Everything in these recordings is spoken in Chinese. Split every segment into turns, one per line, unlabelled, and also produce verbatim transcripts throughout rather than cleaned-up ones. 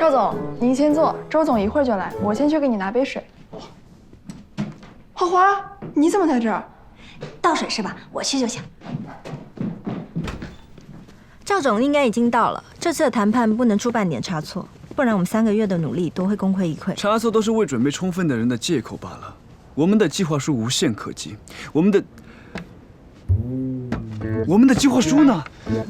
赵总，您先坐，周总一会儿就来，我先去给你拿杯水。花花，你怎么在这儿？
倒水是吧？我去就行。赵总应该已经到了，这次的谈判不能出半点差错，不然我们三个月的努力都会功亏一篑。
差错都是未准备充分的人的借口罢了。我们的计划书无懈可击，我们的我们的计划书呢？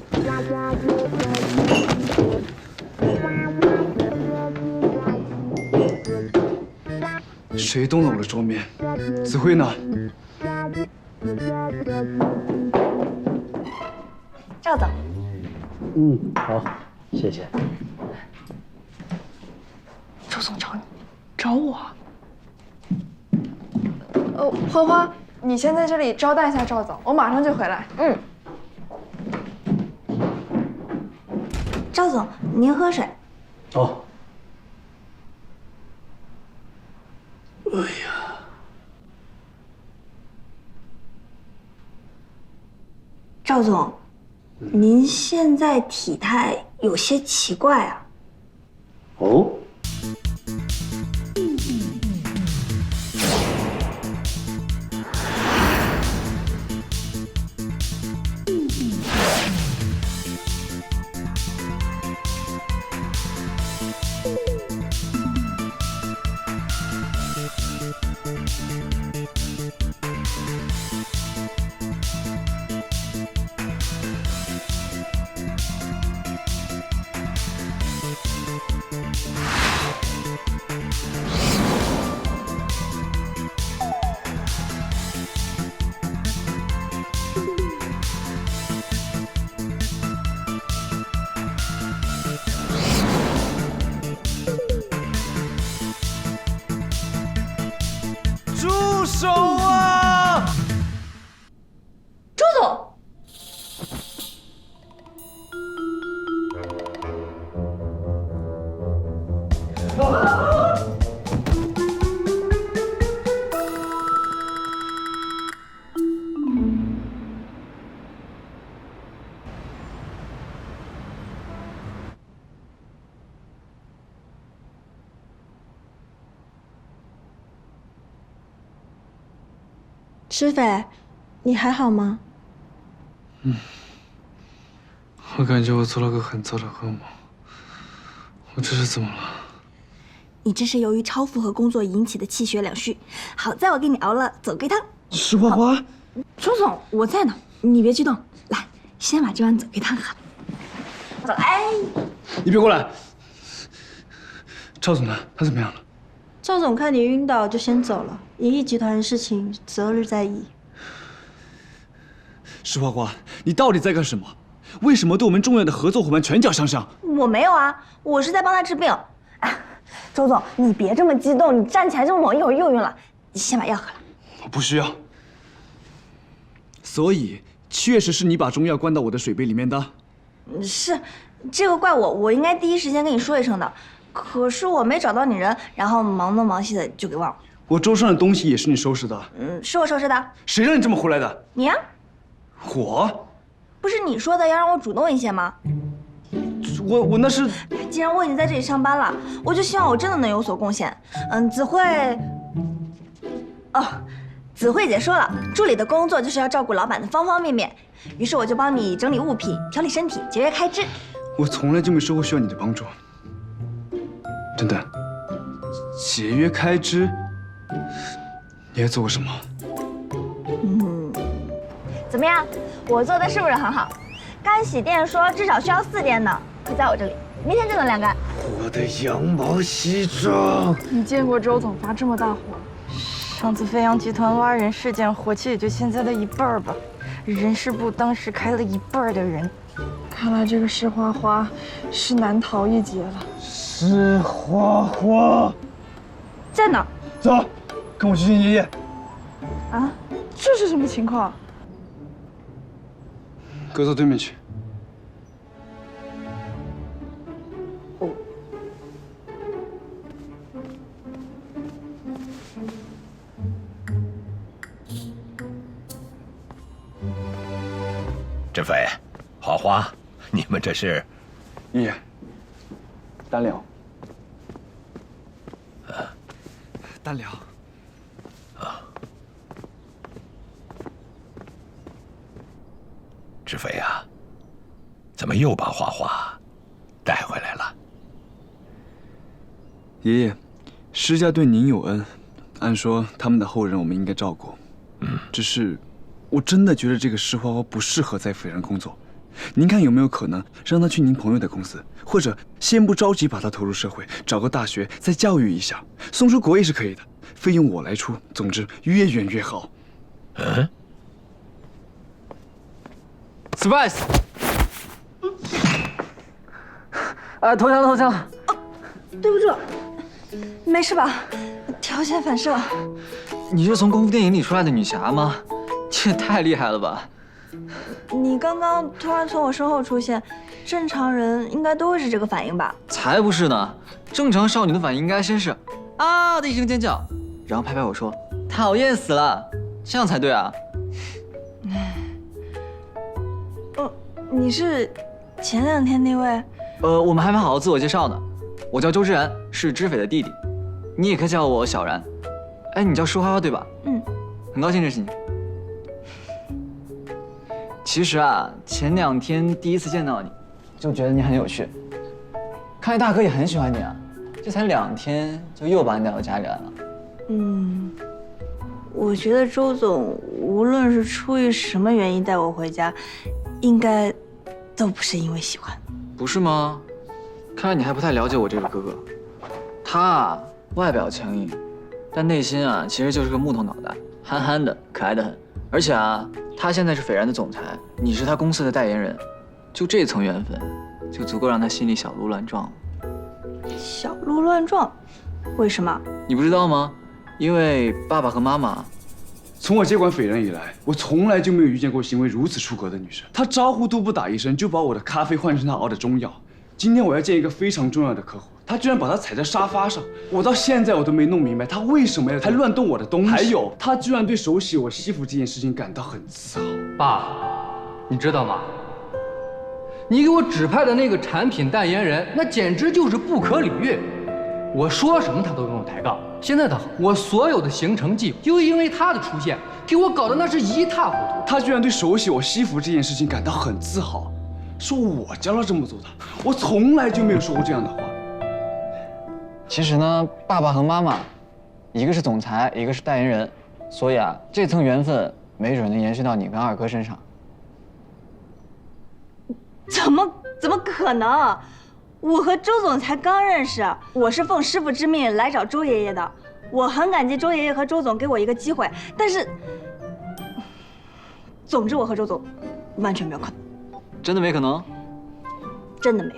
谁动了我的桌面？子辉呢？
赵总，
嗯，好，谢谢。
周总找你，找我。呃，花花，你先在这里招待一下赵总，我马上就回来。
嗯。赵总，您喝水。
哦。哎呀，
赵总，您现在体态有些奇怪啊。
哦。
住手啊！
周总。
施斐，你还好吗？
嗯，我感觉我做了个很糟的噩梦。我这是怎么了？
你这是由于超负荷工作引起的气血两虚。好在我给你熬了走龟汤。
石花花，
周总，我在呢，你别激动，来，先把这碗走龟汤喝。走，哎，
你别过来。赵总呢？他怎么样了？
赵总看你晕倒就先走了，银翼集团的事情择日再议。
石花花，你到底在干什么？为什么对我们重要的合作伙伴拳脚相向？
我没有啊，我是在帮他治病。哎，周总，你别这么激动，你站起来这么猛，一会儿又晕了。你先把药喝了。
我不需要。所以，确实是你把中药灌到我的水杯里面的。
是，这个怪我，我应该第一时间跟你说一声的。可是我没找到你人，然后忙东忙西的就给忘了。
我桌上的东西也是你收拾的。
嗯，是我收拾的。
谁让你这么胡来的？
你呀、
啊？我？
不是你说的要让我主动一些吗？
我我那是……
既然我已经在这里上班了，我就希望我真的能有所贡献。嗯，子慧……哦，子慧姐说了，助理的工作就是要照顾老板的方方面面，于是我就帮你整理物品、调理身体、节约开支。
我从来就没说过需要你的帮助。等等，节约开支，你还做过什么？
嗯，怎么样？我做的是不是很好？干洗店说至少需要四天呢，可在我这里，明天就能晾干。
我的羊毛西装。
你见过周总发这么大火？
上次飞扬集团挖人事件，火气也就现在的一半吧。人事部当时开了一半的人。
看来这个石花花是难逃一劫了。
石花花
在哪？
走，跟我去见爷爷。
啊，这是什么情况？
搁到对面去。
哦。
振飞，花花，你们这是？
爷爷，单聊。 单聊。
志飞呀，怎么又把花花带回来了？
爷爷，施家对您有恩，按说他们的后人我们应该照顾。嗯，只是我真的觉得这个施花花不适合在斐然工作。您看有没有可能让他去您朋友的公司，或者先不着急把他投入社会，找个大学再教育一下，送出国也是可以的，费用我来出。总之越远越好。
嗯
，surprise！ 啊，投降了，投降了。
对不住，没事吧？条件反射。
你是从功夫电影里出来的女侠吗？这也太厉害了吧！
你刚刚突然从我身后出现，正常人应该都会是这个反应吧？
才不是呢！正常少女的反应应该先是啊的一声尖叫，然后拍拍我说讨厌死了，这样才对啊！
哦，你是前两天那位？
呃，我们还没好好自我介绍呢。我叫周之然，是知斐的弟弟，你也可以叫我小然。哎，你叫施花花对吧？
嗯，
很高兴认识你。其实啊，前两天第一次见到你，就觉得你很有趣。看来大哥也很喜欢你啊，这才两天就又把你带到家里来了。
嗯，我觉得周总无论是出于什么原因带我回家，应该都不是因为喜欢。
不是吗？看来你还不太了解我这个哥哥。他啊，外表强硬，但内心啊，其实就是个木头脑袋，憨憨的，可爱的很。而且啊，他现在是斐然的总裁，你是他公司的代言人，就这层缘分，就足够让他心里小鹿乱撞了。
小鹿乱撞？为什么？
你不知道吗？因为爸爸和妈妈。
从我接管斐然以来，我从来就没有遇见过行为如此出格的女生。她招呼都不打一声，就把我的咖啡换成她熬的中药。今天我要见一个非常重要的客户，她居然把她踩在沙发上，我到现在我都没弄明白她为什么要还乱动我的东西。还有，她居然对手洗我西服这件事情感到很自豪。
爸，你知道吗？你给我指派的那个产品代言人，那简直就是不可理喻。我说什么他都跟我抬杠。现在的我所有的行程计划，就因为他的出现，给我搞得那是一塌糊涂。
他居然对手洗我西服这件事情感到很自豪，说我教他这么做的。我从来就没有说过这样的话。
其实呢，爸爸和妈妈，一个是总裁，一个是代言人，所以啊，这层缘分没准能延续到你跟二哥身上。
怎么怎么可能？我和周总才刚认识，我是奉师傅之命来找周爷爷的。我很感激周爷爷和周总给我一个机会，但是，总之我和周总完全没有可能。
真的没可能？
真的没有。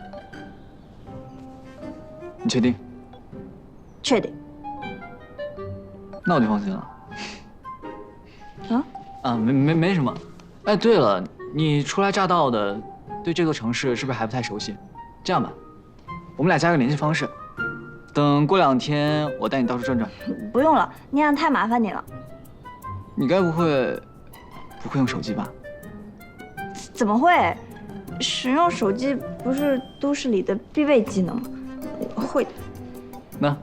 你确定？
确定。
那我就放心了。
啊？
啊，没没没什么。哎，对了，你初来乍到的，对这座城市是不是还不太熟悉？这样吧，我们俩加个联系方式，等过两天我带你到处转转。
不用了，那样太麻烦你了。
你该不会不会用手机吧？
怎么会？使用手机不是都市里的必备技能吗？会。
那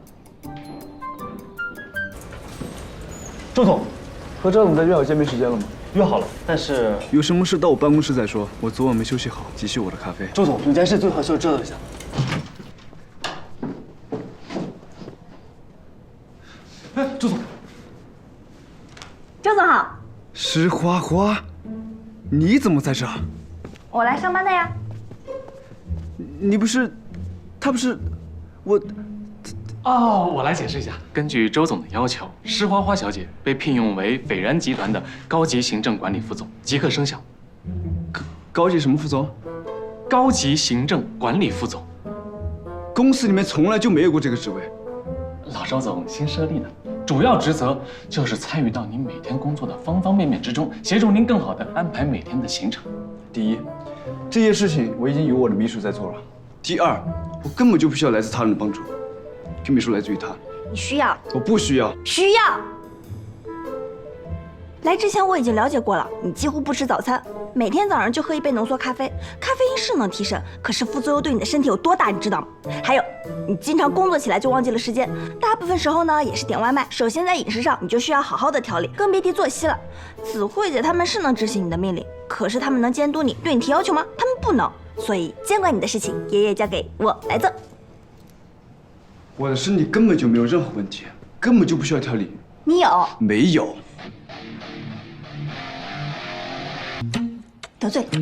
周总，和周总在约好见面时间了吗？约好了，但是
有什么事到我办公室再说。我昨晚没休息好，急需我的咖啡。
周总，有件事最好需要知道一下。哎，周总，
周总好。
施花花，你怎么在这儿？
我来上班的呀。
你不是，他不是，我。
哦，我来解释一下。根据周总的要求，施花花小姐被聘用为斐然集团的高级行政管理副总，即刻生效。
高高级什么副总？
高级行政管理副总。
公司里面从来就没有过这个职位。
老周总新设立的，主要职责就是参与到您每天工作的方方面面之中，协助您更好地安排每天的行程。
第一，这些事情我已经有我的秘书在做了。第二，我根本就不需要来自他人的帮助。这秘书来自于他，
你需要？
我不需要。
需要。 来之前我已经了解过了，你几乎不吃早餐，每天早上就喝一杯浓缩咖啡。咖啡因是能提神，可是副作用对你的身体有多大，你知道吗？还有，你经常工作起来就忘记了时间，大部分时候呢也是点外卖。首先在饮食上你就需要好好的调理，更别提作息了。子慧姐他们是能执行你的命令，可是他们能监督你，对你提要求吗？他们不能。所以监管你的事情，爷爷交给我来做。
我的身体根本就没有任何问题，根本就不需要调理。
你有？
没有。
得罪。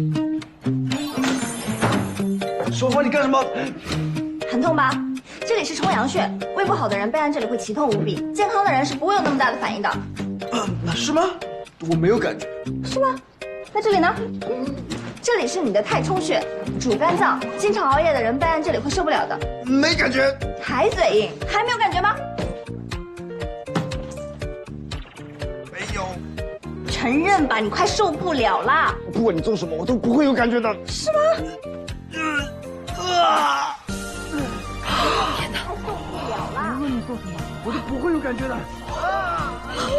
说话你干什么？
很痛吧？这里是冲阳穴，胃不好的人备案这里会奇痛无比，健康的人是不会有那么大的反应的。
呃，是吗？我没有感觉。
是吗？那这里呢？这里是你的太冲穴，主肝脏，经常熬夜的人备案这里会受不了的。
没感觉。
还嘴硬，还没有感觉吗？
没有。
承认吧，你快受不了啦！
不管你做什么，我都不会有感觉的。
是吗？
呃啊！
天哪，受不了啦！
无论你做什么，我都不会有感觉的。啊！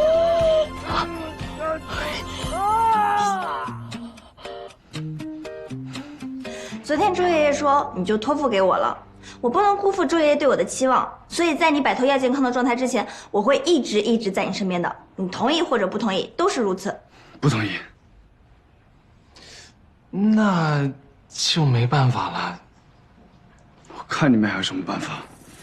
昨天周爷爷说你就托付给我了，我不能辜负周爷爷对我的期望，所以在你摆脱亚健康的状态之前，我会一直一直在你身边的。你同意或者不同意都是如此。
不同意。
那就没办法了。
我看你们还有什么办法？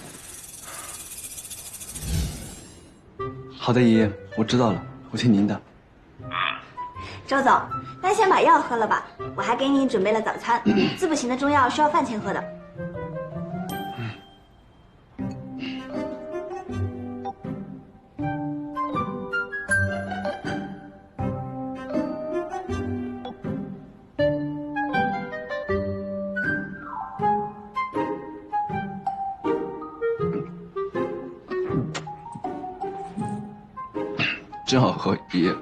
好的，爷爷，我知道了，我听您的。
周总，那先把药喝了吧，我还给你准备了早餐。滋补型的中药需要饭前喝的。
真好喝，爷爷。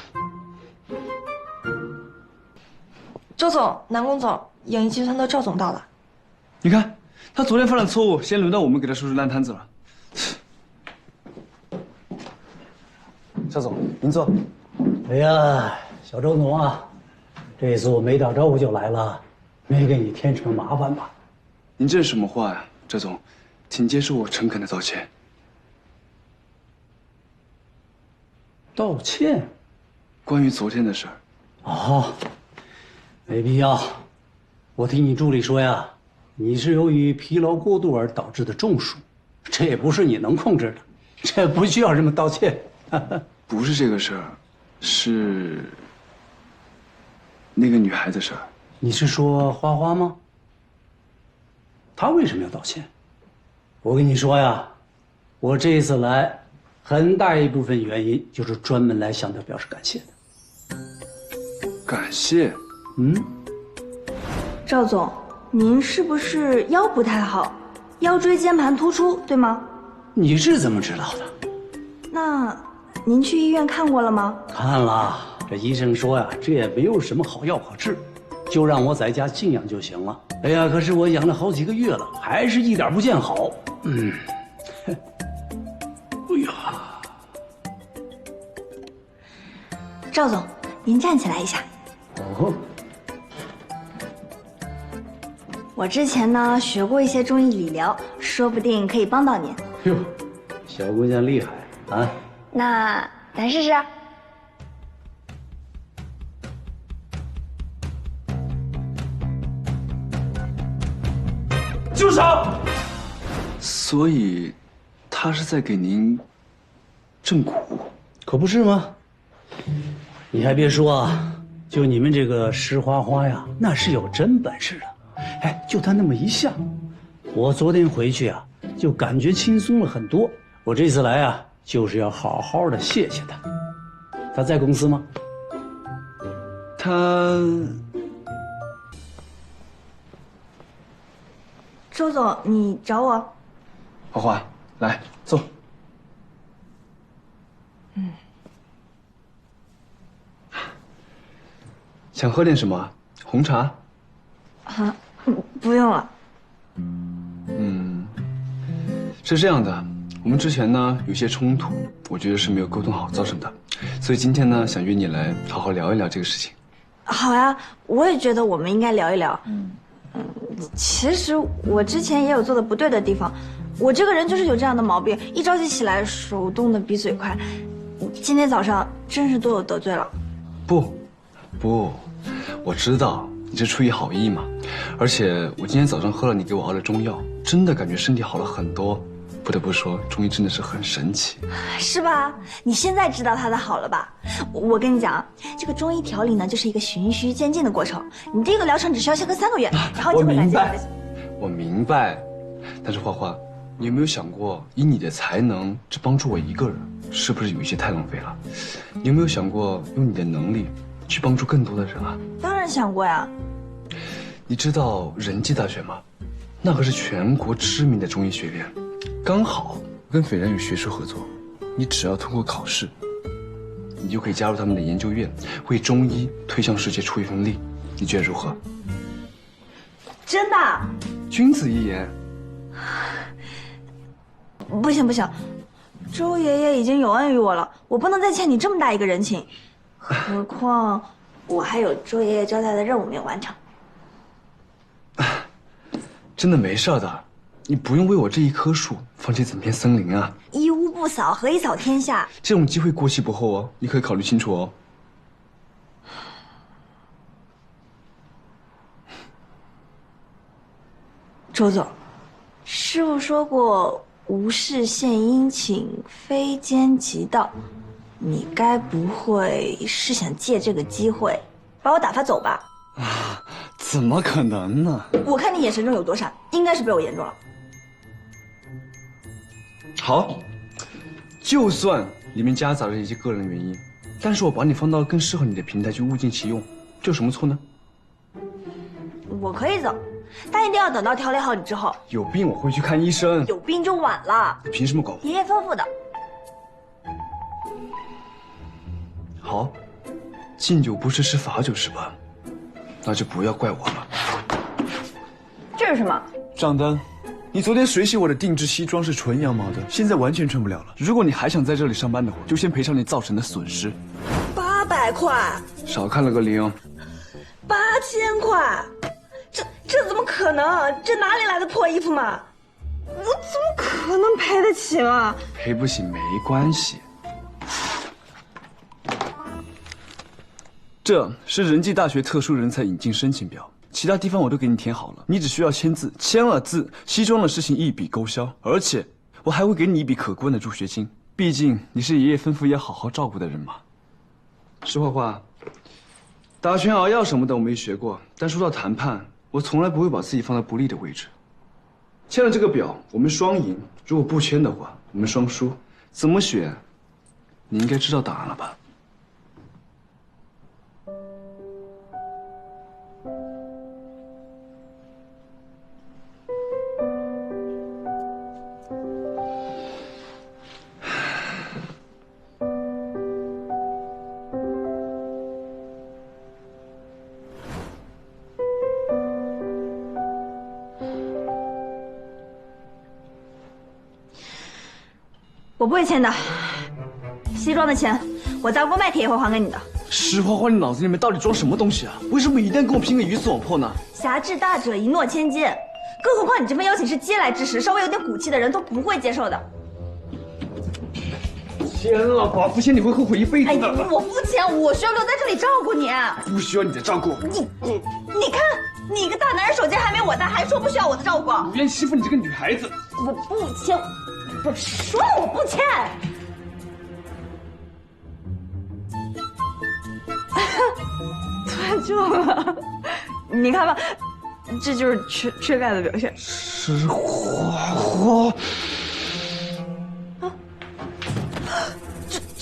周总、南宫总，影艺集团的赵总到了。
你看，他昨天犯了错误，现在轮到我们给他收拾烂摊子了。赵总，您坐。
哎呀，小周总啊，这次我没打招呼就来了，没给你添什么麻烦吧？
您这是什么话呀，赵总？请接受我诚恳的道歉。
道歉？
关于昨天的事儿。
哦，没必要。我听你助理说呀，你是由于疲劳过度而导致的中暑，这也不是你能控制的，这不需要这么道歉。
不是这个事儿，是那个女孩子事儿。
你是说花花吗？她为什么要道歉？我跟你说呀，我这一次来，很大一部分原因就是专门来向她表示感谢的。
感谢？
嗯。
赵总，您是不是腰不太好，腰椎间盘突出，对吗？
你是怎么知道的？
那您去医院看过了吗？
看了，这医生说呀，这也没有什么好药可治，就让我在家静养就行了。哎呀，可是我养了好几个月了，还是一点不见好。嗯，哎呀，
赵总，您站起来一下。
哦。
我之前呢学过一些中医理疗，说不定可以帮到您。
哟，小姑娘厉害啊！
那咱试试。
住手！所以，他是在给您正蛊，
可不是吗？你还别说啊，就你们这个石花花呀，那是有真本事的。哎，就他那么一下，我昨天回去啊，就感觉轻松了很多。我这次来啊，就是要好好的谢谢他。他在公司吗？
他……
周总，你找我？
花花，来坐。
嗯。
想喝点什么？红茶？
啊，不用了。
嗯，是这样的，我们之前呢有些冲突，我觉得是没有沟通好造成的。 所以今天呢，想约你来好好聊一聊这个事情。
好呀，我也觉得我们应该聊一聊。嗯嗯，其实我之前也有做的不对的地方，我这个人就是有这样的毛病，一着急起来手动的比嘴快。今天早上真是多有得罪了。
不，不，我知道你是出于好意嘛。而且我今天早上喝了你给我熬的中药，真的感觉身体好了很多。不得不说，中医真的是很神奇，
是吧？你现在知道它的好了吧？我跟你讲，这个中医调理呢，就是一个循序渐进的过程。你第一个疗程只需要先喝三个月，然后就会感觉你的。
我明白，但是花花，你有没有想过，以你的才能只帮助我一个人，是不是有一些太浪费了？你有没有想过用你的能力去帮助更多的人啊？
当然想过呀。
你知道仁济大学吗？那可是全国知名的中医学院。刚好跟斐然有学术合作，你只要通过考试，你就可以加入他们的研究院，为中医推向世界出一份力。你觉得如何？
真的？
君子一言。
不行不行，周爷爷已经有恩于我了，我不能再欠你这么大一个人情。何况我还有周爷爷交代的任务没有完成。
真的没事的。你不用为我这一棵树放弃整片森林啊！
一屋不扫，何以扫天下？
这种机会过期不候哦，你可以考虑清楚哦。
周总，师傅说过“无事献殷勤，非奸即盗”，你该不会是想借这个机会把我打发走吧？
啊，怎么可能呢？
我看你眼神中有多闪，应该是被我言中了。
好，就算里面夹杂着一些个人原因，但是我把你放到更适合你的平台去物尽其用，这有什么错呢？
我可以走，但一定要等到调理好你之后。
有病我会去看医生。
有病就晚了。
你凭什么管我？
爷爷吩咐的。
好，敬酒不吃吃罚酒是吧？那就不要怪我了。
这是什么？
账单。你昨天水洗我的定制西装是纯羊毛的，现在完全穿不了了。如果你还想在这里上班的话，就先赔偿你造成的损失。
八百块，
少看了个零。
八千块，这这怎么可能？这哪里来的破衣服嘛？我怎么可能赔得起嘛？
赔不起没关系。这是仁济大学特殊人才引进申请表。其他地方我都给你填好了，你只需要签字，签了字，西装的事情一笔勾销，而且我还会给你一笔可观的助学金。毕竟你是爷爷吩咐要好好照顾的人嘛。石花花，打拳、熬药什么的我没学过，但说到谈判，我从来不会把自己放在不利的位置。签了这个表，我们双赢；如果不签的话，我们双输。怎么选？你应该知道答案了吧？
我不会签的，西装的钱我砸锅卖铁也会还给你的。
石花花，你脑子里面到底装什么东西啊？为什么一定要跟我拼个鱼死网破呢？
侠之大者，一诺千金，更何况你这份邀请是嗟来之食，稍微有点骨气的人都不会接受的。
签了，寡妇签你会后悔一辈子的。
哎，我不签，我需要留在这里照顾你。
不需要你的照顾。
你你你看，你一个大男人手劲还没我大，还说不需要我的照顾。
不愿欺负你这个女孩子。
我不签。我说了我不签。断就了，你看吧，这就是缺缺钙的表现。
石花花。